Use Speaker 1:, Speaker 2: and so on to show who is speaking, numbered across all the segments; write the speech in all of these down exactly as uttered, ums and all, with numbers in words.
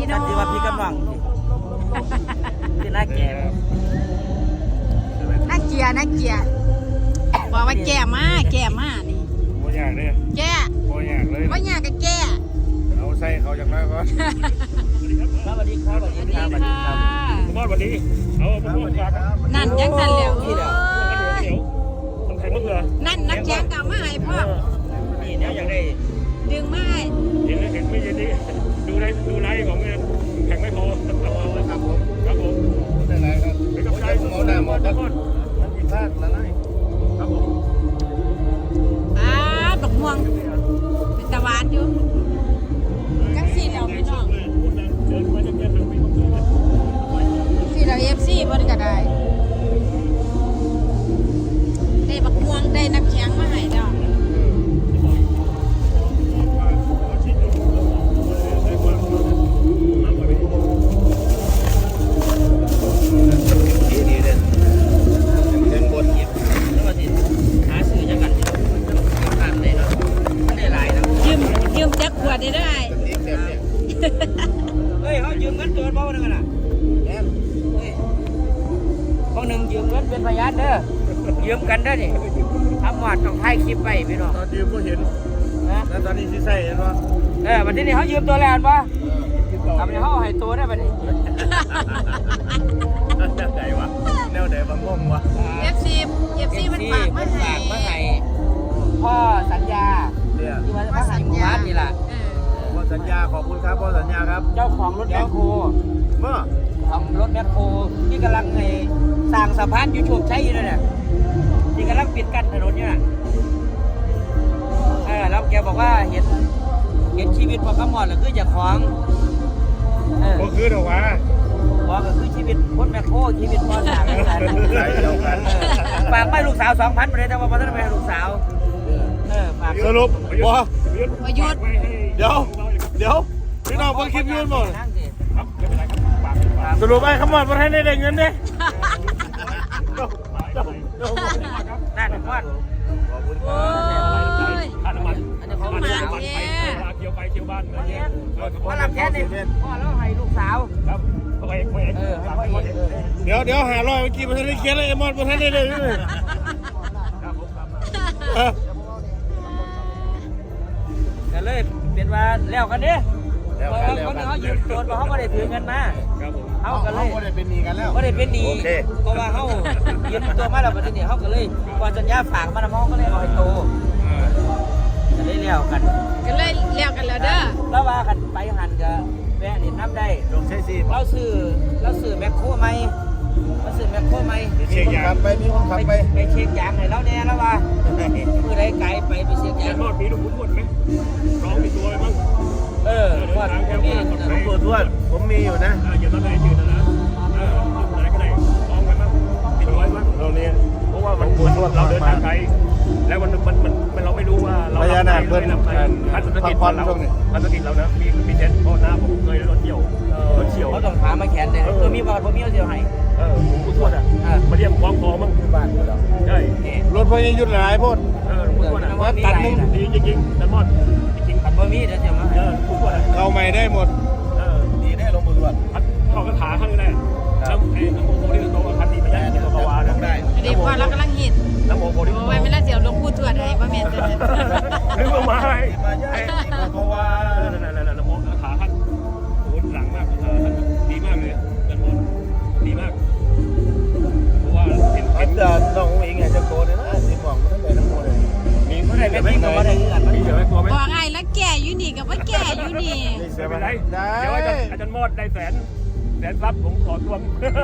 Speaker 1: น้อง
Speaker 2: ที่ว่าพี่กำลังที่น่าแก่
Speaker 1: น่าเกียน่าเกียบอกว่าแก่มากแก่มากนี่
Speaker 3: โมยากเลย
Speaker 1: แก่
Speaker 3: โมยากเลย
Speaker 1: ว่าอยากกับแก่
Speaker 3: เอาใส่เขาอย่างไรก่อน
Speaker 2: สวัสดีครับสวัสดีครับสวัสดีครับ
Speaker 3: ผมบอกวันนี้เอาผมบอกฝาก
Speaker 1: นั่นยังนั่นแล้ว
Speaker 3: นี่เดี๋ยวเดี๋ยวต้องแข่งมะเขือ
Speaker 1: นั่นนักแข่งเก่ามาให้พ่อ
Speaker 2: นี่เนี่ยอยากได้
Speaker 1: ดึงมาให้
Speaker 3: เห็นแล้วเห็นไม่เย็นดีดูไลฟ์ดูไลฟ์ของแข่งไม่พอครับผมครับผมได้ไรครับเป็นกำลังใจหมอหน้าหมอตะก้อนมันผิดพลาดละไรครับผม
Speaker 1: อ่าดอกม่วงเป็นตะวันอยู่จังสีแล้วพี่น้องสีเราเอฟซีบนก็ได้ได้บักม่วงได้น้ำแข็งมาให้ดอกได้ได้
Speaker 2: เฮ้ยเขายืมเงินตัวเบาหนึ่งน่ะพวกหนึ่งยืมเงินเป็นพยานเด้อยืมกันเด้อนี่ทำหวัดต้องถ่ายคลิปไปพี่น้อง
Speaker 3: ตอนยืมก็เห็นนะแล้วตอนนี้ที่ใส่เห็นป่ะ
Speaker 2: เออวันที่นี่เขายืมตัวแลนด์ป่ะทำไมเขาให้ตัวได้ป่ะนี่
Speaker 3: แนวไหนวะแนวไหนบางงงวะ
Speaker 1: เอฟซีเอฟซีมันฝากมาให้
Speaker 2: มาให้พ่อสัญญาที่ว่าพ่อสัญญานี่แหละ
Speaker 3: พ่อสัญญาขอบคุณครับพ่อสัญญาครับ
Speaker 2: เจ้าของรถแมคโคร
Speaker 3: เมื่อ
Speaker 2: ของรถแมคโครที่กำลังในสร้างสะพานยูทูบใช้อยู่เนี่ยที่กำลังปิดกั้นถนนเนี่ยเออแล้วแกบอกว่าเห็นเห็นชีวิตพอขมอดหรือคือจากของ
Speaker 3: เออก็คือเดี๋ยววะ
Speaker 2: บอกก็คือชีวิตคนแมคโครชีวิตพ่อหนักกันฝากไม่ลูกสาวสองพันไปเลยแต่ว่าพ่อต้องไปลูกสาวเออฝาก
Speaker 3: สรุปว่า
Speaker 1: ประยุทธ์
Speaker 3: เดี๋ยวเดี๋ยวพี่น้องเพิ่งคลิปยืนหมดสรุปไอ้ขมอดมาให้ได้เงินเนี่ย
Speaker 2: นั่นพ่อ
Speaker 3: ขอบคุณครับค่าน้ำมันอันนี้เขามาเที่ยวไปเที่ยวบ้านอะไรเงี้ย
Speaker 2: พ่อรับแค่นี้พ่อแล้วให้ลูกสาว
Speaker 3: ครับพ่อเอกพ่อเอกเดี๋ยวเดี๋ยวหาร้อยเมื่อกี้มาให้ได้เขียนเลยไอ้มอดมาให้ได้เลย
Speaker 2: ก็เลยเป็นว่าแล้วกันเนี่ยเพราะคนเขาหยุดโดนเพราะเขาไม่ได้ถือเงินมาเขาก็เลย
Speaker 3: ไม่ได้เป็นหนี้กันแล้ว
Speaker 2: ไม่ได้เป็นหนี้เพราะว่าเขาหยุดตัวมาแล้วประเด็นนี้เขาก็เลยพอสัญญาฝากมาแล้วเขาก็เลยเอาให้โตก็เลยเลี้ยวกัน
Speaker 1: ก็เลยเลี้ยวกันแล้วเด้อ
Speaker 2: แล้วว่ากันไปหันกับแม่นี่นับได้
Speaker 3: ลงใช้ซี
Speaker 2: เราซื้อเราซื้อแมคโครไหมเราซื้อแมคโครไหม
Speaker 3: เช็คยางไปมีคนขับไป
Speaker 2: ไปเช็คยางให้เราแน่แล้วว่ามือไรไกลไปไปเช็คยาง
Speaker 3: ทอดมีลูกพุ้นไหมร้องมีตัวไหมบ้าง
Speaker 2: เออทอดมี
Speaker 3: หลวงปู่ทวดผมมีอยู่นะอย่ามาไหนยืนนะนะเออไหนก็ไหนร้องไว้บ้างติดไว้บ้างเราเนี่ยเพราะว่ามันเราเดินทางไกลแล้วมันมันมันเราไม่รู้ว่าเราพญานาคเบิ้ลพันธุกิจเราพันธุกิจเรานะมีมีเจ็ดพ่อหน้าผมเคยรถเกี่ยวรถเฉียว
Speaker 2: เขาต้องถามมาแขนเลยเออมีบอลผมมีเอาเดียวให้
Speaker 3: เออหลวงปู่ทวดอ่ะมาเรียกคล้องคอมั้งบ้านเราใช่รถพญายุทธหลายพ่นเออหลวงปู่ทวดอ่ะตัดมุมดีจริงๆตัดมอดจริง
Speaker 2: ตัดบะหมี่เดี๋ยวเดี๋ยวมา
Speaker 3: เออหลวงปู่ทวดอ่ะ
Speaker 4: เราไม่ได้หมด
Speaker 3: เออดีแน่หลวงปู่ทวดเขาก็ขาข้างนี้แล้วไอ้น้ำโมโหที่เราคันดีไปยันตัววาได้
Speaker 1: เดี๋ยวพอเรากำลังหิน
Speaker 3: น้ำโมโหที่
Speaker 1: โอ้ยไม่ละเสียวลงพูดถวดให้ป้าเมนจะเนี่ย
Speaker 3: นึกว่าไม้ไอ้ตัววานั่นนั่นนั่นน้ำโมขาขั้นโอ้หลังมากขาขั้นดีมากเลยน้ำโมดีมากเพราะว่าเห็นเห็น
Speaker 4: น้องเองไงจะโตเลยนะสิบอกมันตั้งแต่น้ำโมเลย
Speaker 2: มีเมื่อไหร่ไม่มีตัวได้เงิน
Speaker 3: มีเยอะตัวไหม
Speaker 1: บอกไงแล้วแก่อยู่นี่กับว่าแก่อยู่นี่
Speaker 3: ไม่เป็นไรเดี๋ยวอาจารย์อาจารย์มอดได้แสนแสนรับผมขอทวง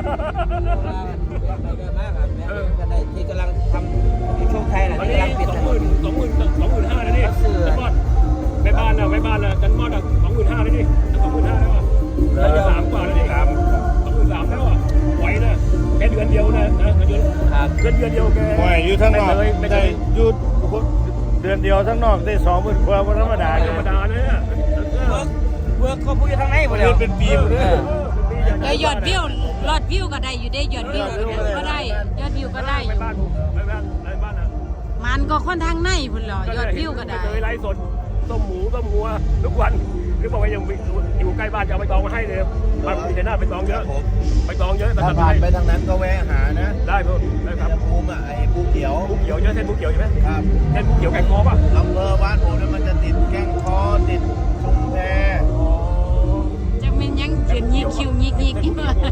Speaker 2: ที่กำลังทำที่โชคชัยนะที่กำลังปิด
Speaker 3: สองหมื่นสองหมื่นสองหมื่นห้าเลยนี่จันมอดแม่บ้านนะแม่บ้านนะจันมอดอ่ะสองหมื่นห้าเลยนี่สองหมื่นห้าแล้วอ่ะสามกว่าแล้วนี่สามสองหมื่นสามแล้วอ่ะไหวนะแค่เดือนเดียวนะนะเดือนเดือนเดือนเดียวแก
Speaker 4: ไหวอยู่ทั้งนอกได้หยุดเดือนเดียวทั้งนอกได้สองหมื่นกว่าธรรมดา
Speaker 3: ธรรมดาเนี่ย
Speaker 2: เวิร์กเวิร์กก็พูดทั้งไหนหมดเลย
Speaker 4: เป็นปีหมดเลย
Speaker 1: เลยยอดวิวยอดวิวก็ได้อยู่ได้ยอดวิวก็ได้ยอดวิวก็ได้
Speaker 3: ไปบ้านไปบ้านไปบ้านนะ
Speaker 1: มันก็ค่อนข้างในพุ่นหรอยอดวิวก็ได้
Speaker 3: เคยไลฟ์สดต้มหมูต้มงัวทุกวันหรือบอกว่ายังอยู่ใกล้บ้านจะเอาไปตองมาให้เลยบ้านมีแต่หน้าไปตองเยอะไปตองเยอะ
Speaker 4: ถ้าผ่านไปทางนั้นก็แวะหานะ
Speaker 3: ได้เพิ่มได้ครับ
Speaker 4: จะภูมิอ่ะไอ้ภูเขียว
Speaker 3: ภูเขียวเยอะเส้นภูเขียวใช่ไหม
Speaker 4: ครับ
Speaker 3: เส้นภูเขียวแกงคอป่ะ
Speaker 4: อำเภอบ้านผมเนี่ยมันจะติดแก้งคอติดชุมแพ
Speaker 1: จังเป็นยังเขียนยิกคิวยิกยิก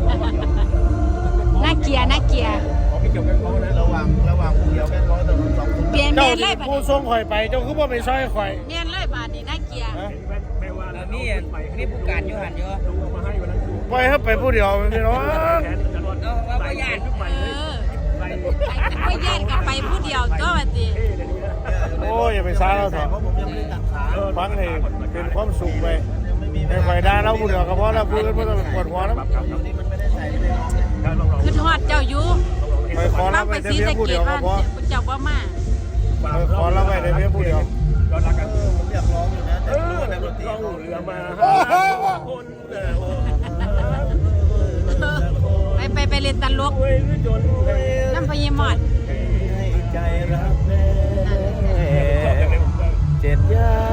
Speaker 1: น่าเกลียดน่าเกลียด
Speaker 3: ของพี่เขียวแกงคอนะ
Speaker 4: ระหว่างระหว่างภูเขียวแก้งคอถนนสองชุม
Speaker 1: เปลี่ยนเป
Speaker 4: เจ้า
Speaker 1: ลี่ยนเลยบัด
Speaker 4: ผู้
Speaker 1: นี้
Speaker 4: ส่งข่อยไปเจ้าคือว่าไปซอยข่อย
Speaker 1: เปลี่ยนเลยบาดนี้น่าเกลียด
Speaker 3: ไม่ว่า
Speaker 2: แล้วมีมีผู้การอยู่หันอยู่
Speaker 3: ลุงเอามาให้วันนั้น
Speaker 4: ปล่อยให้ไปผู้เดียวพี่น้อง
Speaker 3: แขนจะรอด
Speaker 2: เอาว่าบ่ย่าน
Speaker 3: ทุกใหม่
Speaker 1: เอ
Speaker 3: เลย
Speaker 1: อ
Speaker 3: ใส่
Speaker 1: ไอ้ย่านกับไปผู้เดียวตัวบัดนี้
Speaker 3: เท่เลยนี่นะ
Speaker 4: โอ้ยอย่าไปซ่าเราเถอะ
Speaker 5: เพราะผมยังไม่ได้ตัดขา
Speaker 4: ฟังให้เป็นความสุขไปให้ข่อยด่าเราผู้เดียวก็พอแล้วผู้อื่นไม่ต้องปวดหัวนะ
Speaker 3: ครับครับ
Speaker 5: นี่มันไม่ได้ใส่เลย
Speaker 3: ครับลองลอง
Speaker 1: คือทอดเจ้าอยู่
Speaker 4: ไปขอ
Speaker 1: เรา
Speaker 4: รับ
Speaker 1: ไป
Speaker 4: ไปแต่
Speaker 1: ซี
Speaker 4: เพีย
Speaker 1: สะ
Speaker 4: งผู้
Speaker 1: เก
Speaker 4: เดี
Speaker 1: ด
Speaker 4: ยวก็
Speaker 1: บ้าน
Speaker 4: พอ
Speaker 1: เจ้าบ่มา
Speaker 4: ขอรับไปแต่เพียงผู้เดียว
Speaker 3: ยอดรักกัน
Speaker 5: ผมอยากร้องอยู่นะ
Speaker 3: เอ
Speaker 5: แต่
Speaker 3: อ
Speaker 5: รู้ว่าในดนตรี
Speaker 3: ล่อง
Speaker 5: เขา
Speaker 3: เรือมาหาคนเออ
Speaker 1: ไปไปไปเล่นตลก
Speaker 3: โอ้ยจนให้
Speaker 1: น้ำพญมอด
Speaker 5: ให้ใจรักแน่
Speaker 3: เจ็ดย่าน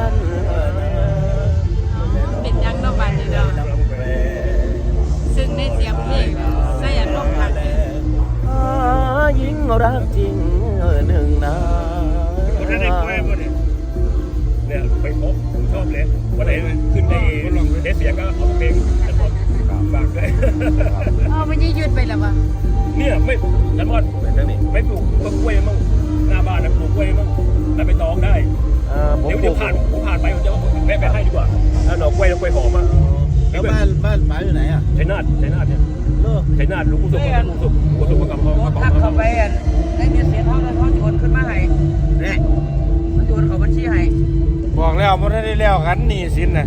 Speaker 1: เป็นยังเนาะบาดนี้เนาะซึ่งในเสียงเพลงใส่อารมณ์คัก
Speaker 2: หญิงรักจริงหนึ่งนา
Speaker 3: คนนั้นได้กล้วยป่ะเนี่ยเนี่ยไปพบผมชอบเลยวันไหนขึ้นในลองเทสเสียงก็เอาเพลงจันทร์ฝากเลย
Speaker 1: อ๋อมันยืดยืดไปแล้ววะ
Speaker 3: เนี่ยไม่จันทร์ไม่ปลูกต้นกล้วยมั่งหน้าบ้านนะปลูกกล้วยมั่งแล้วไปตองได้
Speaker 4: ผม
Speaker 3: เดี๋ยว
Speaker 4: ปลู
Speaker 3: เดี๋ยว
Speaker 4: ก
Speaker 3: ผ่านผมผ่านไปผมจะแวะไปให้ดีกว่าถ้าหน่อกล้วยหน่อกล้วยหอมอ่ะ
Speaker 5: แล้วบ้านบ้านป๋าอยู่ไหนอ่ะ
Speaker 3: ชัยนาทชัยนาทเนี่ย
Speaker 5: เลิก
Speaker 3: ชัยนาทลุงสุกลุงสุกลุงสุกกับพ่อ
Speaker 2: โดนทักเข้าไปอ่ะได้เมียเสียเท่านั้นเขาโยนขึ้นมาให้
Speaker 5: เนี่ย
Speaker 2: เขาโยนเขาบัญชีให้
Speaker 4: บอกแล้วมันได้แล้วกันหนี่สินน่ะ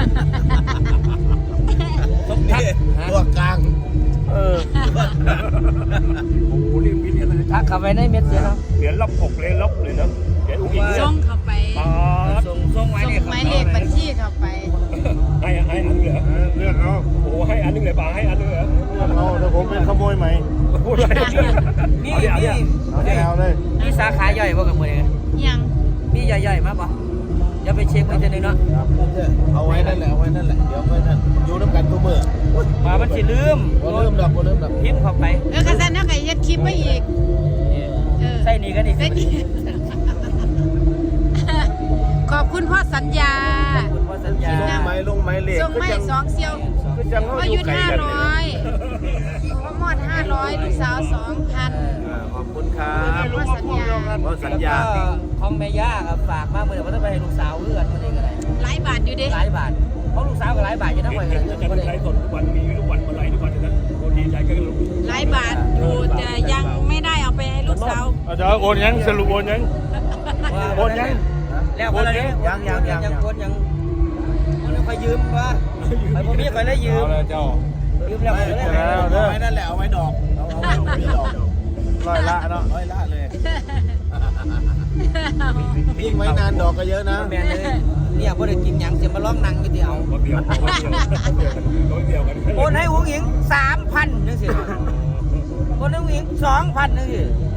Speaker 5: นี่ตัวกลาง
Speaker 4: เออ
Speaker 3: โอ้โหนี่มีเหรียญอะไร
Speaker 2: ทักเข้าไปในเม็ดเสียเนาะ
Speaker 3: เหรียญล็อกหกเหรียญล็อกเลยนะเหรียญอุ้งอิง
Speaker 1: ส่งเข้าไป
Speaker 3: ปาด
Speaker 2: ส่งส่งไว้
Speaker 1: ส่ง
Speaker 2: เนี่ย
Speaker 1: หมายเลขบัญชีเข้าไป
Speaker 3: ให้ให้อันนึงเหรอ
Speaker 4: เลือกเอา
Speaker 3: โอ้โหให้อันนึงเลยป่าให้อันนึงเหรอ
Speaker 4: เลือกเอาแต่ผมเป็นขโมยไหม
Speaker 3: พูดอะไร
Speaker 2: มี
Speaker 3: เอา
Speaker 2: มี
Speaker 3: เนี่ย
Speaker 4: เอาได้เอาเลย
Speaker 2: มีสาขาย่อยบ่กับมือเนี่ย
Speaker 1: ยัง
Speaker 2: มีใหญ่ๆมาป่ะอย่าไปเช็คไว้เจนึงเนาะ
Speaker 5: เอาไว้นั่นแหละเอาไว้นั่นแหละเดี๋ยวค่อยนั่นอยู่น้ำกันทุกมื้อ
Speaker 2: มามันสิลืม
Speaker 5: บ่เริ่มดับบ่เริ่มดับ
Speaker 2: พิมพ์เข้าไป
Speaker 1: เออกระสันนักไอ้ยัดคลิปไปอีกเออ
Speaker 2: ใส่นี่กันอีก
Speaker 1: ใส่ดีขอบคุณพ่อสัญญา
Speaker 2: คุณพ่อสัญญา
Speaker 5: ลงไม้ลงไม้เหล็ก
Speaker 1: ส่งไม่สองเซียว
Speaker 4: คือจังเขา
Speaker 1: พ่อ
Speaker 4: อ
Speaker 1: ยุ
Speaker 4: ยู่
Speaker 1: ทธ
Speaker 4: ไกล
Speaker 1: ห้า
Speaker 4: กัน
Speaker 1: ร้อยพ่อมอดห้าร้อยลูกสาวสองพัน
Speaker 5: อ่าขอบคุณครับ
Speaker 1: พ่อสัญญา
Speaker 5: เพราะสัญญา
Speaker 2: ก็ของแม่ย่าครับฝากมาเมื่อวันต้องไปให้ลูกสาวเลือดมันเองอะไร
Speaker 1: หลายบาทอยู่เด้
Speaker 2: หลายบาทเพราะลูกสาวก็หลายบาทอยู่นะวัน
Speaker 3: เห็
Speaker 2: นี้
Speaker 3: นจะมีไลฟ์สดทุกวันมีทุกวันมาไลฟ์ทุกวันนะโอ้ดีใจก็รู้
Speaker 1: หลายบาทอยู่แต่ยังไม่ได้เอาไปให้ลูกสาว
Speaker 4: เอาเดี๋ยวโอนยังสรุปโอนยังโอนยัง
Speaker 2: แล้วคนนี้ยังยังยังยังคนยังคนนี้คอยยืมวะไอ้พวกนี้คอยได้ยืม
Speaker 4: เอาเลยเจ้า
Speaker 2: ยืมแล้วคอยได้
Speaker 5: เอาไว้นั่นแหละเอาไว้ดอกเอาเอาไว้ดอก
Speaker 4: ร้อยละเนาะ
Speaker 5: ร้อยละเลยยิ่งไว้นานดอกก็เยอะนะ
Speaker 2: แม่เลยเนี่ยพอได้กินยังเสียมาล้องนังก็เดียว
Speaker 3: คนเดียวคนเดียวกัน
Speaker 2: โอนให้อุ้งอิงสามพันนึงสิโอนให้อุ้งอิงสองพันนึงสิ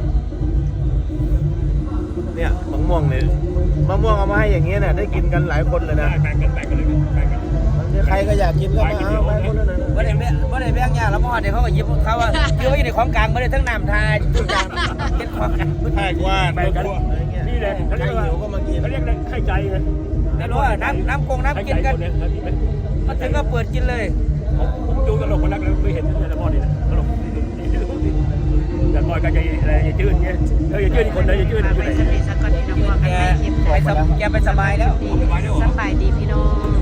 Speaker 5: เนี่ยมะม่วงเนี่ยมะม่วงเอามาให้อย่างเงี้ยเนี่ยได้กินกันหลายคนเลยนะ
Speaker 3: แบ่งกันแบ่งกันเลยแบ่งกัน
Speaker 5: ใครก็อยากกินก็มาเอาไปคนนั้นนะ
Speaker 2: บ่ได้แบ่งบ่ได้แบ่งยาแล้วพ่อเดี๋ยวเขาก็ยิบเขาว่าคือว่าอยู่ในของกลางบ่ได้ทั้งน้ำทาทุกอย่างเป็นของกลาง
Speaker 4: แพกว่า
Speaker 3: แบ่งกันนี่แหละเขา
Speaker 5: ใคร
Speaker 3: เรียกว่า
Speaker 5: หิวก็มากิน
Speaker 3: เขาเรียกไข่ใจไง
Speaker 2: ไม่รู้ว่าน้ำน้ำกงน้ำกินกันมาถึงก็เปิดกินเลย
Speaker 3: ผมดูตลกคนนักเลยไม่เห็นแต่ละพ่อนี่นะตลกแต่พ่อก็จะอะไรจะจืดเงี้ยเออจะจืดคนไหนจะจืด
Speaker 1: ฝาก
Speaker 3: อยู่
Speaker 1: ไว้
Speaker 3: ไหน
Speaker 1: สติสักก่อนที่น้องว่ากัน
Speaker 2: แก
Speaker 1: ไม่คลิป
Speaker 2: ไปสบแกไปสบายแล้ว
Speaker 1: สบายดีพี่น้อง